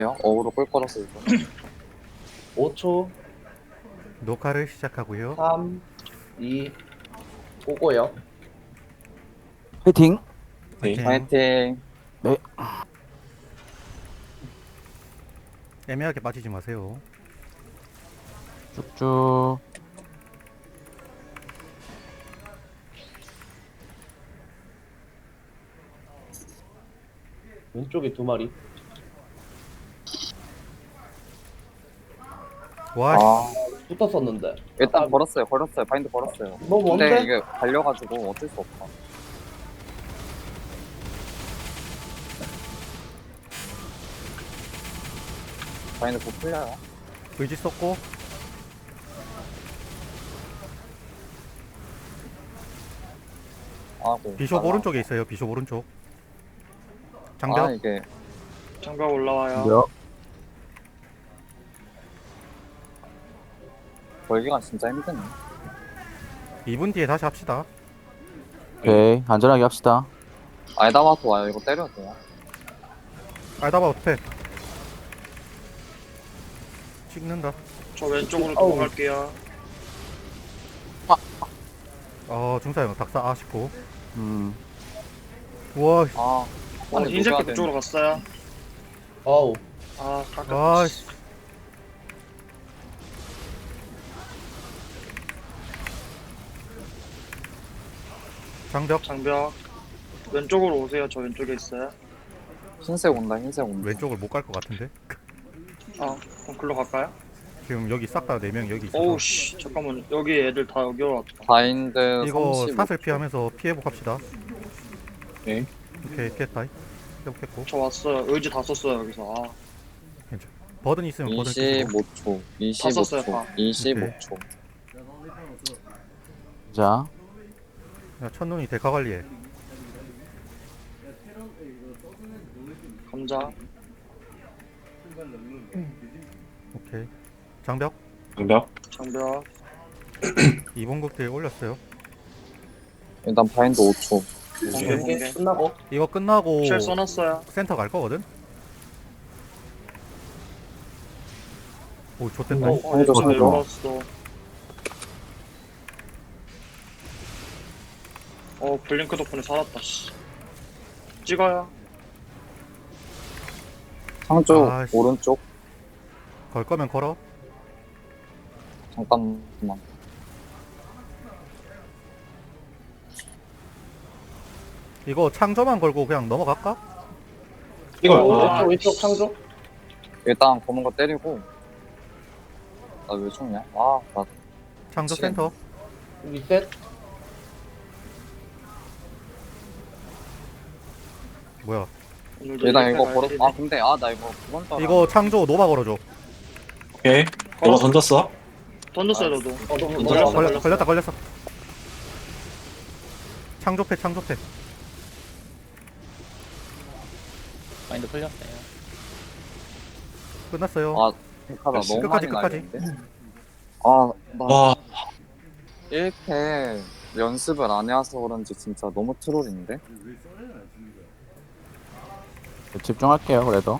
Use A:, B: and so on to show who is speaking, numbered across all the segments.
A: 어그로 꿀 거라서 이거.
B: 5초,
C: 녹화를 시작하고요.
B: 3, 2, 오고요.
D: 화이팅!
C: 파이팅.
A: 파이팅.
C: 애매하게 빠지지 마세요.
D: 쭉쭉.
B: 왼쪽에 2마리.
C: 와,
A: 아,
B: 붙었었는데.
A: 일단 걸었어요. 바인드 걸었어요.
B: 너 뭔데?
A: 근데 이게 갈려가지고 어쩔 수 없다. 바인드 곧 풀려요.
C: 의지 썼고
A: 아고.
C: 비숍 오른쪽에 있어요. 비숍 오른쪽. 장벽.
A: 아 이게
E: 장벽 올라와요.
D: 몇?
A: 걸기가 진짜 힘드네.
C: 2분 뒤에 다시 합시다.
D: 오케이. 안전하게 합시다.
A: 아이다마토 와요. 이거 때려도 돼요.
C: 알다바 어떻게? 찍는다.
E: 저 왼쪽으로
B: 아우.
E: 넘어갈게요.
C: 중사형 박사 아쉽고.
D: 음.
C: 우와,
A: 아. 아니,
E: 흰색
A: 녹여야
E: 그쪽으로 갔어요.
B: 어우,
E: 아,
C: 아,
E: 깎았다.
C: 씨. 장벽
E: 장벽. 왼쪽으로 오세요. 저 왼쪽에 있어요.
A: 흰색 온다. 흰색 온다.
C: 왼쪽을 못 갈 것 같은데.
E: 아, 그럼 글로 갈까요?
C: 지금 여기 싹 다 4명 여기 있어서.
E: 오우, 씨. 잠깐만. 여기 애들 다 여기로 왔다.
A: 바인드
C: 이거
A: 35.
C: 사슬 피하면서 피해복합시다.
A: 네.
C: 오케이, 피했다. 회복했고.
E: 저 왔어요. 의지 다 썼어요, 여기서. 아,
C: 버든 있으면 버든 쓰시고.
A: 25초.
E: 다 썼어요,
A: 25초.
E: 다.
A: 25초.
D: 자,
C: 야, 첫눈이 데카 관리해.
E: 감자.
C: 오케이. 장벽
E: 장벽.
C: 2번 극딜 올렸어요.
A: 일단 바인드 5초.
E: 번개,
B: 이게
E: 번개.
B: 끝나고.
C: 이거 끝나고
E: 쉘 써놨어요.
C: 센터 갈 거거든. 오, 좋댔다.
A: 한조
E: 저
A: 사줘.
E: 열었어. 블링크 덕분에 살았다, 씨. 찍어요.
A: 상쪽
C: 아이씨.
A: 오른쪽.
C: 걸 거면 걸어.
A: 잠깐만.
C: 이거 창조만 걸고 그냥 넘어갈까?
B: 왼쪽 창조.
A: 일단 검은 거 때리고. 나 왜 죽냐? 아, 나
C: 창조
A: 지금.
C: 센터.
B: 리셋.
E: 어,
C: 뭐야?
E: 오늘도
A: 일단
E: 이렇게
A: 이거
E: 가야
A: 걸어.
E: 되네.
A: 아 근데 나 이거 그건 따라.
C: 이거 창조 노바 걸어줘.
F: 오케이. 너가 던졌어?
E: 던졌어요, 저도.
B: 너무
E: 걸렸어,
C: 걸렸다 걸렸어. 창조패 창조패.
G: 마인드 풀렸어요.
C: 끝났어요.
A: 아, 하다
F: 역시
A: 너무
C: 끝까지,
A: 많이
C: 끝까지.
A: 날리는데. 아, 나
F: 와,
A: 1패 연습을 안 해와서 그런지 진짜 너무 트롤인데.
D: 집중할게요, 그래도.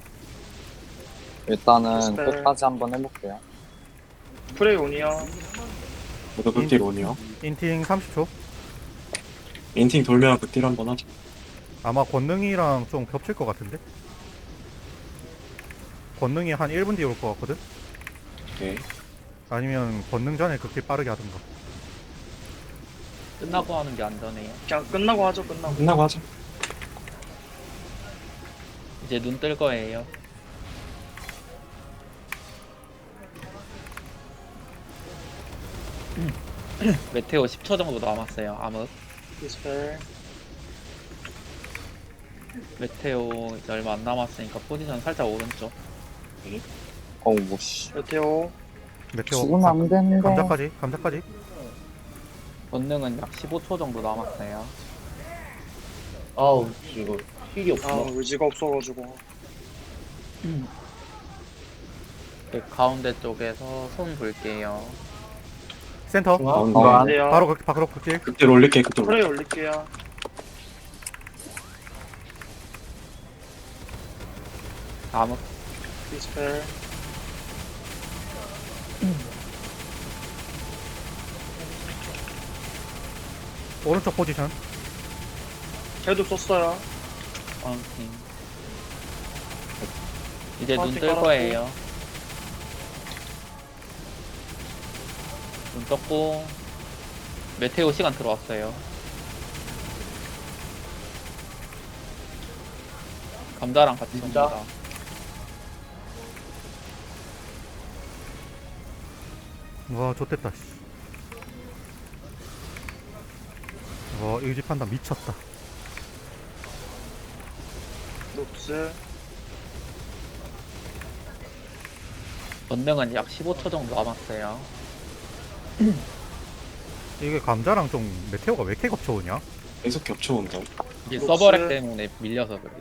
A: 일단은
E: 스펠.
A: 끝까지 한번 해볼게요.
E: 프레이 온이요.
F: 모두 극딜 온이요.
C: 인팅 30초.
F: 인팅 돌면 극딜 한번 하자.
C: 아마 권능이랑 좀 겹칠 것 같은데. 권능이 한 1분 뒤에 올 것 같거든.
F: 오케이.
C: 아니면 권능 전에 극딜 빠르게 하든가.
G: 끝나고 하는 게 안전해요.
E: 그냥 끝나고 하죠, 끝나고.
F: 끝나고 하자.
G: 이제 눈 뜰 거예요. 메테오 10초 정도 남았어요. 암흑.
E: 디스펠.
G: 메테오 이제 얼마 안 남았으니까 포지션 살짝 오른쪽.
A: 어우, 뭐, 씨.
E: 메테오.
C: 메테오
A: 죽으면 안 되는데.
C: 감자까지.
G: 권능은 약 15초 정도 남았어요.
B: 아우, 이거 힐이
E: 아,
B: 없구나.
E: 의지가 없어가지고.
G: 그 가운데 쪽에서 손 볼게요.
C: 센터.
B: 중앙.
D: 안
E: 돼요.
C: 바로 극딜.
F: 극딜 올릴게, 극딜 올릴게.
E: 프레이 올릴게요.
G: 암흑.
E: 디스펠.
C: 오른쪽 포지션.
E: 걔도 썼어요.
G: 파운틴. 이제 눈
E: 파운틴
G: 뜰
E: 깔았고.
G: 거예요. 눈 떴고 메테오 시간 들어왔어요. 감자랑 같이
B: 진짜?
G: 옵니다.
C: 와 좋댔다 씨. 와 의지 판단 미쳤다.
E: 녹스.
G: 건능은 약 15초 정도 남았어요.
C: 이게 감자랑 좀 메테오가 왜 이렇게 겹쳐오냐?
F: 계속 겹쳐온다.
G: 이게
E: 녹스.
G: 서버렉 때문에 밀려서 그래요.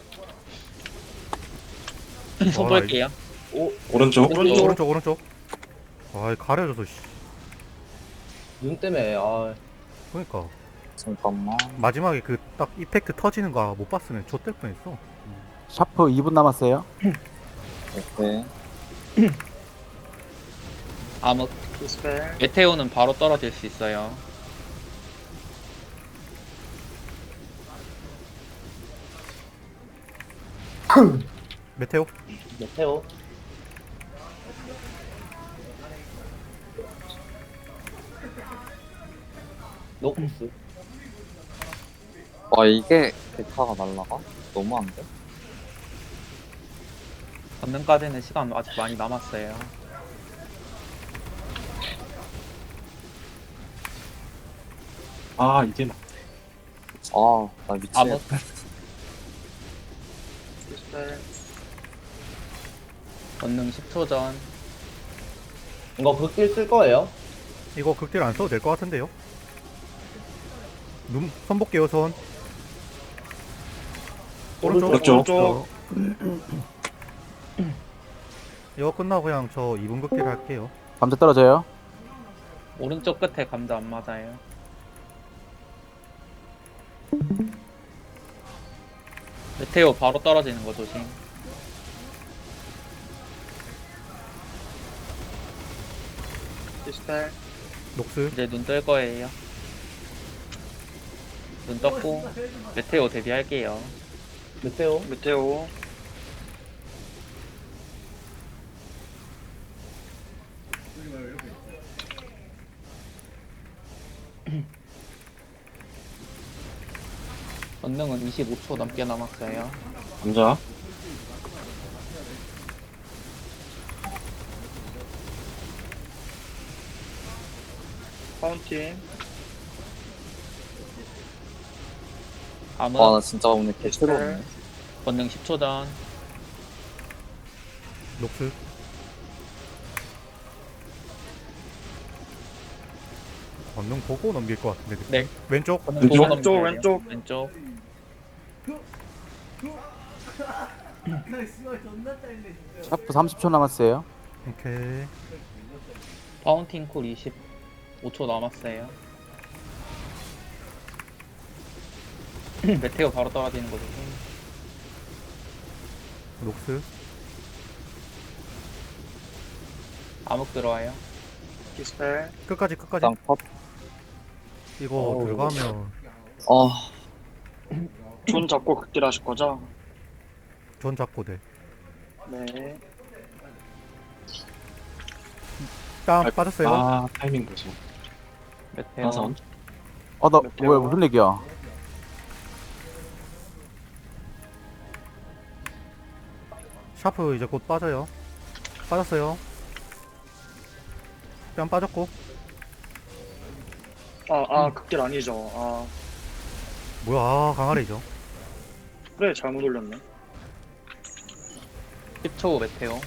G: 손
C: 와,
G: 볼게요.
F: 오른쪽.
E: 오른쪽.
C: 오른쪽 오른쪽. 아 가려져서 씨.
B: 눈 때문에
C: 그러니까
A: 잠깐만.
C: 마지막에 그 딱 이펙트 터지는 거 못 봤으면 좆될 뻔했어.
D: 샤프 2분 남았어요.
A: 오케이.
G: 암흑.
E: 디스펠.
G: 메테오는 바로 떨어질 수 있어요.
C: 메테오.
B: 메테오. 녹스.
A: 와 이게 데카가 날라가? 너무한데?
G: 건능까지는 시간 아직 많이 남았어요.
F: 아 이게
A: 아나
G: 암흑.
A: 미치겠다.
E: 디스펠.
G: 건능 10초 전.
B: 이거 극딜 쓸 거예요?
C: 이거 극딜 안 써도 될 것 같은데요? 손 볼게요 손. 오른쪽.
F: 오른쪽.
C: 이거 끝나고 그냥 저 2분 극딜 할게요.
D: 감자 떨어져요.
G: 오른쪽 끝에 감자 안 맞아요. 메테오 바로 떨어지는 거 조심.
E: 디스펠.
C: 녹스.
G: 이제 눈 뜰 거예요. 눈 떴고 메테오 대비할게요.
B: 메테오.
E: 메테오.
G: 건능은 25초 넘게 남았어요.
F: 감자.
E: 파운틴.
G: 암흑.
A: 와나 진짜 오늘 개새로웠네.
G: 건능 10초 전.
C: 녹스. 건능 보고 넘길 것 같은데. 느낌.
G: 네.
C: 왼쪽.
G: 건능
F: 왼쪽?
G: 보고 넘겨야 돼요.
E: 왼쪽.
G: 왼쪽.
D: 샤프 30초 남았어요.
C: 오케이.
G: 파운틴 쿨 25초 남았어요. 메테오 바로 떨어지는 거죠.
C: 녹스.
G: 암흑 들어와요.
E: 디스펠.
C: 끝까지 끝까지.
A: 일단 컷.
C: 이거 들어가면
A: 아
E: 존 잡고 극딜 하실 거죠?
C: 존 잡고 돼.
E: 네.
C: 땀 빠졌어요.
F: 아 타이밍 보소.
G: 메테오.
F: 나선.
D: 나
E: 메테오.
D: 뭐야 무슨 얘기야?
C: 샤프 이제 곧 빠져요. 빠졌어요. 뺨 빠졌고.
E: 극딜 아니죠. 아,
C: 뭐야 아, 강아리죠.
E: 그래, 잘못 올렸네.
G: 10초 메테오.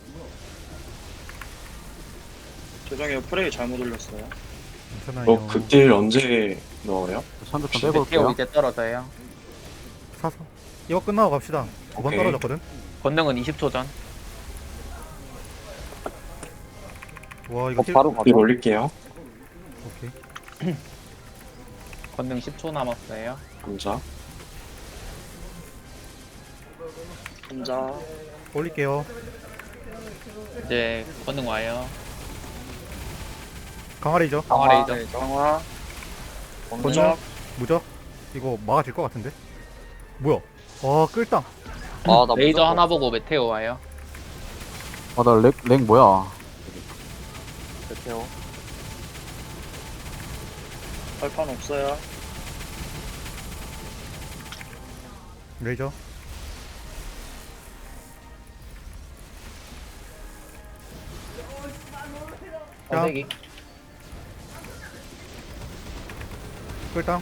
E: 죄송해요, 프레이 잘못 올렸어요.
C: 괜찮아요.
F: 극딜 언제 넣어요?
D: 선두 좀 빼고
G: 메테오
D: 올게요.
G: 이제 떨어져요.
C: 사서 이거 끝나고 갑시다. 2번
F: 오케이.
C: 떨어졌거든.
G: 건능은 20초 전.
C: 와 이거 힐.
A: 바로
F: 극딜
A: 가자.
F: 올릴게요.
C: 오케이.
G: 건능 10초 남았어요.
F: 감자.
E: 감자.
C: 올릴게요.
G: 이제 권능 와요.
C: 강화레이저.
G: 강화 레이저.
E: 강화.
C: 권능.
E: 무적.
C: 무적. 이거 막아질 것 같은데? 뭐야? 와, 끌당.
A: 아, 나
G: 레이저
A: 무조건
G: 하나 보고 메테오 와요.
D: 나렉 뭐야?
A: 메테오.
E: 발판 없어요.
C: 레이저.
B: 싸대기.
C: 끌당.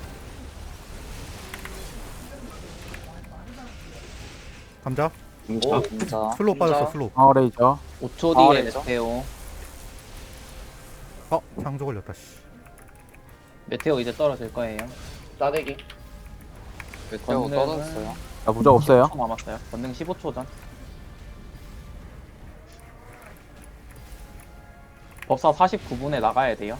C: 감자.
F: 감자.
A: 진짜.
C: 슬로우 빠졌어,
E: 감자.
C: 슬로우.
D: 강화레이저.
G: 5초
A: 강화
G: 뒤에
A: 레이저?
G: 메테오.
C: 창조 걸렸다, 씨.
G: 메테오 이제 떨어질 거예요.
B: 싸대기.
A: 메테오
G: 권능은-
A: 떨어졌어요.
D: 나 무적 없어요.
G: 15초 남았어요. 권능 15초 전. 법사 49분에 나가야 돼요.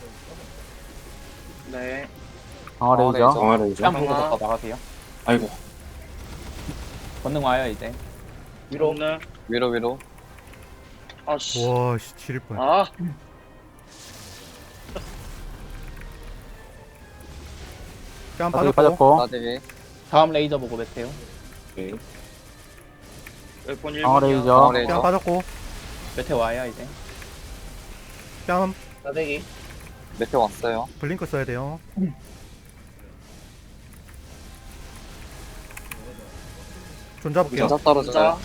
E: 네.
D: 강화레이저.
F: 강화레이저.
G: 뺨 보고
E: 강화.
G: 법사 나가세요.
F: 아이고.
G: 권능 와요 이제.
B: 위로.
E: 권능.
A: 위로.
E: 아씨.
C: 와, 씨, 지릴 뻔.
E: 아.
C: 뺨
D: 싸대기
C: 빠졌고.
D: 빠졌고.
A: 나대기.
G: 다음 레이저 보고 메테오.
F: 오케이.
E: 웨폰 1분이요.
D: 강화레이저.
A: 강화
C: 뺨
A: 레이저.
C: 빠졌고.
G: 메테오 와요 이제.
C: 뺨
B: 싸대기.
A: 메테오 왔어요.
C: 블링크 써야 돼요. 존 잡을게요.
A: 진짜 떨어져요.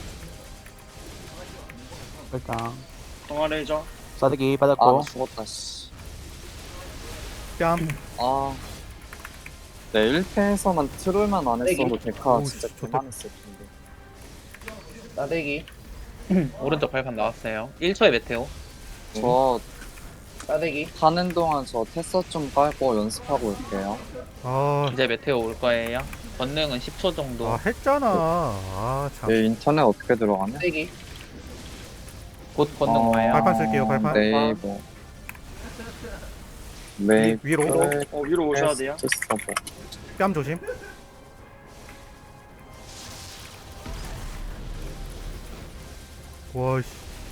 D: 일단
E: 강화 레이저.
D: 싸대기
A: 아, 나
D: 빠졌고.
A: 죽었다, 씨.
C: 뺨.
A: 아. 네, 1패에서만 트롤만 안 했어도 데카
C: 오,
A: 진짜
C: 좋다.
A: 그만했을 텐데.
B: 싸대기.
G: 오른쪽 발판 나왔어요. 1초에 메테오.
A: 저
B: 싸대기.
A: 하는 동안 저 테서 좀 빨고 연습하고 올게요.
C: 아,
G: 이제 메테오 올 거예요. 권능은 10초 정도.
C: 아, 했잖아. 아, 참.
A: 내 인터넷 어떻게 들어가냐?
B: 싸대기.
G: 곧 권능 와요.
C: 발판 쓸게요, 발판.
A: 네이버. 메이
C: 위로.
E: 위로 오셔야 돼요.
A: 서버.
C: 뺨 조심. 와, 씨.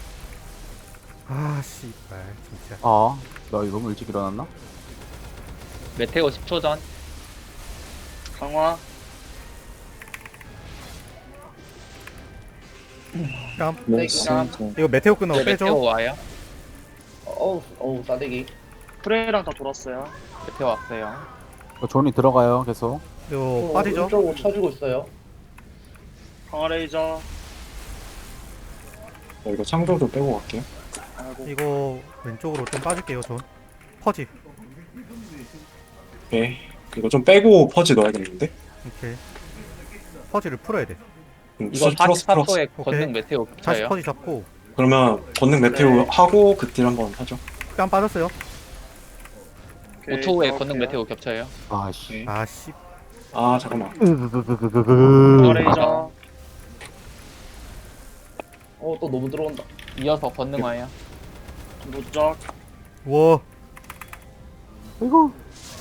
C: 아, 씨발, 진짜.
D: 나 이거 너무 일찍 일어났나?
G: 메테오 10초 전.
E: 강화.
C: 뺨.
A: 네,
B: 깜.
A: 진짜.
C: 이거 메테오 끝나고
G: 이제 메테오
C: 빼죠.
G: 와요.
B: 어우, 싸대기.
E: 프레이랑 다 돌았어요.
G: 메테오 왔어요.
D: 존이 들어가요 계속.
C: 이거 빠지죠.
B: 오른쪽으로 쳐주고 있어요.
E: 강화 레이저.
F: 이거 창조도 빼고 갈게요.
E: 아이고.
C: 이거 왼쪽으로 좀 빠질게요, 존. 퍼지.
F: 오케이. 이거 좀 빼고 퍼지 넣어야겠는데?
C: 오케이. 퍼지를 풀어야 돼.
G: 이거
F: 플러스.
G: 44초에
C: 오케이.
G: 권능 메테오
C: 다시
G: 겹쳐요.
C: 퍼지 잡고.
F: 그러면 권능 메테오
E: 네.
F: 하고 그 딜 한번 하죠.
C: 뺨 빠졌어요.
E: 오케이,
G: 5초 후에
E: 들어갈게요.
G: 권능 메테오 겹쳐요.
D: 아씨.
F: 오케이.
C: 아, 씨.
F: 아, 잠깐만.
E: 강화 레이저.
B: 또 너무 들어온다.
G: 이어서 권능 와요.
E: 무적.
C: 와,
D: 이거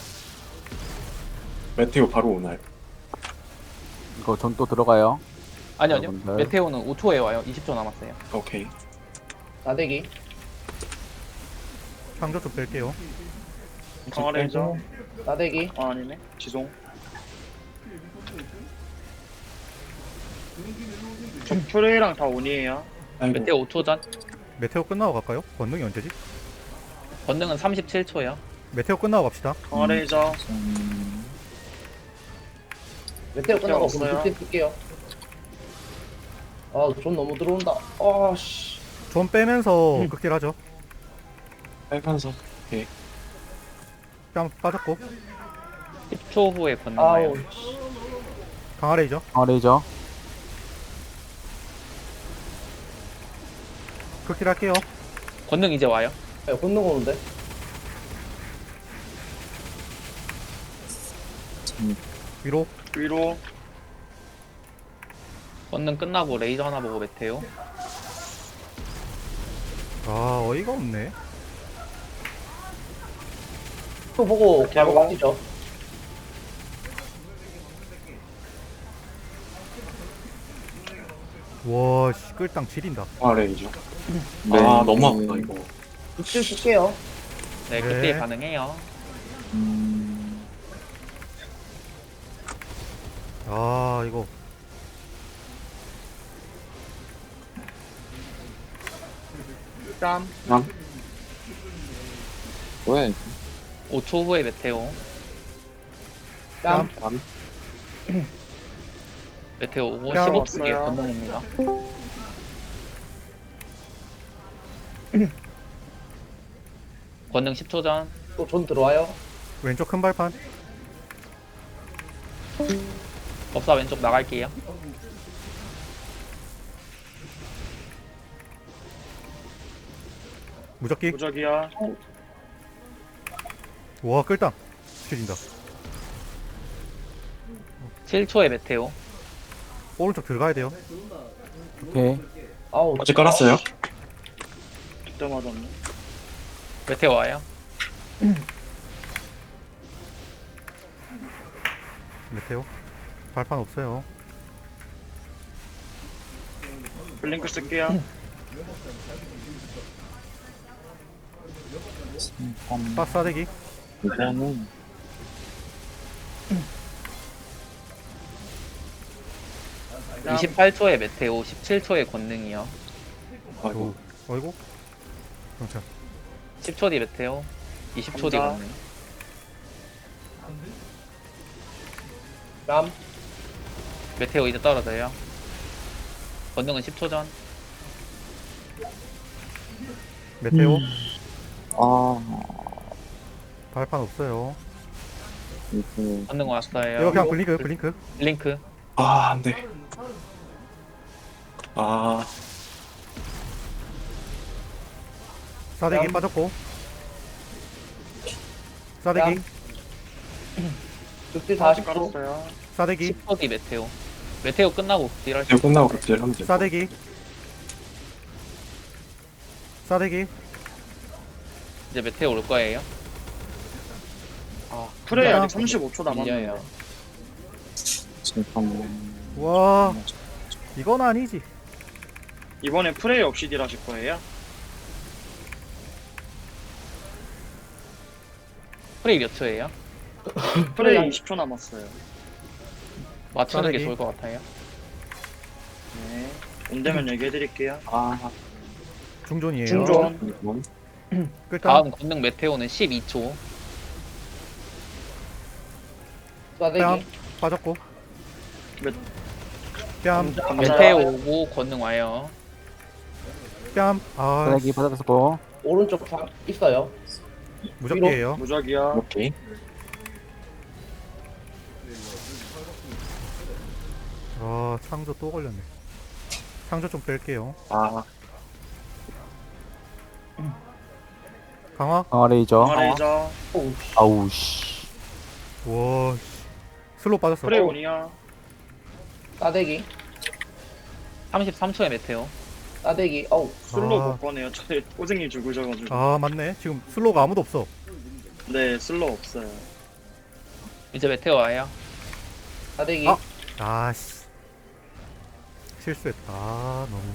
F: 메테오 바로 오나요?
D: 이거 존 또 들어가요.
G: 아니요.
D: 여러분들.
G: 메테오는 5초에 와요. 20초 남았어요.
F: 오케이.
B: 싸대기.
C: 창조 좀 뺄게요.
E: 강화 레이저.
B: 싸대기.
E: 아, 아니네. 지송. 저 프레이랑 다 온이에요.
F: 아이고.
G: 메테오 5초 전.
C: 메테오 끝나고 갈까요? 권능이 언제지?
G: 권능은 37초요.
C: 메테오 끝나고 갑시다.
E: 강화 레이저.
B: 메테오 끝나고
E: 없어요.
B: 그럼 그때 뜰게요. 존 너무 들어온다. 씨.
C: 존 빼면서 극딜 하죠.
F: 빨간색.
C: 뺨 빠졌고.
G: 10초 후에 권능 와요.
C: 강화레이저.
D: 강화레이저.
C: 극딜 할게요.
G: 권능 이제 와요.
B: 본능 오는데.
C: 위로.
E: 위로.
G: 권능 끝나고 레이저 하나 보고 메테오.
C: 아, 어이가 없네.
B: 또 보고 바로 빠지죠.
C: 와, 씨, 끌당 지린다.
F: 아 레이저.
A: 네.
F: 아 너무 아프다 이거.
B: 육질 쓸게요.
G: 네,
C: 네.
G: 그때 가능해요.
C: 아, 이거.
E: 땀.
A: 왜?
G: 5초 후에 메테오.
B: 뺨.
G: 메테오 오고
C: 뺨
G: 15초 뒤에
E: 왔어요.
G: 건너옵니다. 권능 10초 전.
B: 또 존 들어와요.
C: 왼쪽 큰 발판.
G: 법사 왼쪽 나갈게요.
C: 무적기.
E: 무적이야.
C: 와, 끌당 지린다.
G: 7초에 메테오.
C: 오른쪽 들어가야 돼요.
D: 오케이.
B: 아우.
F: 어제 깔았어요?
E: 그때 맞았네.
G: 메테오 와요.
C: 메테오. 발판 없어요.
E: 블링크 쓸게요.
C: 빠싸대기.
A: 이거는
G: 28초에 메테오, 17초에 권능이요.
F: 아이고.
C: 어이구. 경찰.
G: 10초 뒤 메테오, 20초 뒤
E: 감자.
G: 권능.
B: 뺨.
G: 메테오 이제 떨어져요. 권능은 10초 전.
C: 메테오.
A: 아
C: 발판 없어요.
A: 이거
G: 권능 왔어요.
C: 이거 그냥 블링크, 블링크.
G: 블링크.
F: 아 안돼. 아
C: 싸대기
B: 뺨.
C: 빠졌고. 싸대기.
B: 뺨. 육질
E: 40
B: 40초.
E: 깔았어요.
C: 싸대기.
G: 10초 뒤 메테오. 메테오 끝나고 딜할 수
F: 이거 끝나고 그때 하면 돼.
C: 싸대기. 싸대기.
G: 이제 메테오 올 거예요.
E: 아, 프레이
C: 뺨.
E: 아직 35초 남았네요.
G: 밀려요.
A: 잠깐만.
C: 와, 이건 아니지.
E: 이번에 프레이 없이 딜 하실 거예요?
G: 프레이 몇 초예요?
E: 프레이 20초 남았어요.
G: 맞추는 게
C: 싸대기.
G: 좋을 것 같아요.
E: 네. 온되면 얘기해드릴게요.
F: 아
C: 중존이에요.
B: 중존.
A: 이건
C: 끌당.
G: 다음 권능 메테오는 12초.
B: 싸대기.
C: 뺨. 빠졌고.
E: 몇-
C: 뺨.
E: 감자.
G: 메테오 오고 권능 와요.
C: 뺨. 아,
D: 쓰레기 받았고.
B: 오른쪽 있어요.
C: 무적기예요.
E: 무적이야.
F: 오케이.
C: 아, 창조 또 걸렸네. 창조 좀 뺄게요.
F: 아
C: 강화.
D: 강화 레이저.
E: 강화레이저.
B: 오우.
D: 아우 씨.
C: 와, 씨. 슬로우 빠졌어.
E: 프레이 온이야.
B: 싸대기.
G: 33초에 메테오.
B: 싸대기. 어우.
E: 슬로
C: 아.
E: 못 꺼내요. 저희 꼬쟁이 죽으셔가지고.
C: 아, 맞네. 지금 슬로우가 아무도 없어.
E: 네, 슬로 없어요.
G: 이제 메테오 와요.
B: 싸대기.
C: 아. 아씨. 실수했다. 아, 너무.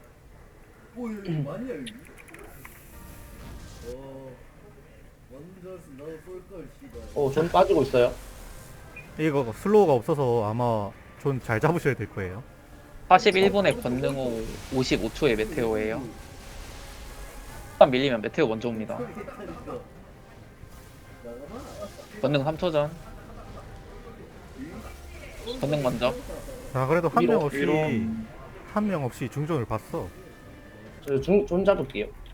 B: 존 빠지고 있어요.
C: 이거 슬로우가 없어서 아마 존 잘 잡으셔야 될 거예요.
G: 41분에 권능 후 55초에 메테오예요. 한번 밀리면 메테오 먼저 옵니다. 권능 3초 전. 권능 먼저.
C: 자, 그래도 한
B: 위로,
C: 명 없이
E: 위로.
C: 한 명 없이 중존을 봤어.
B: 존 잡을게요.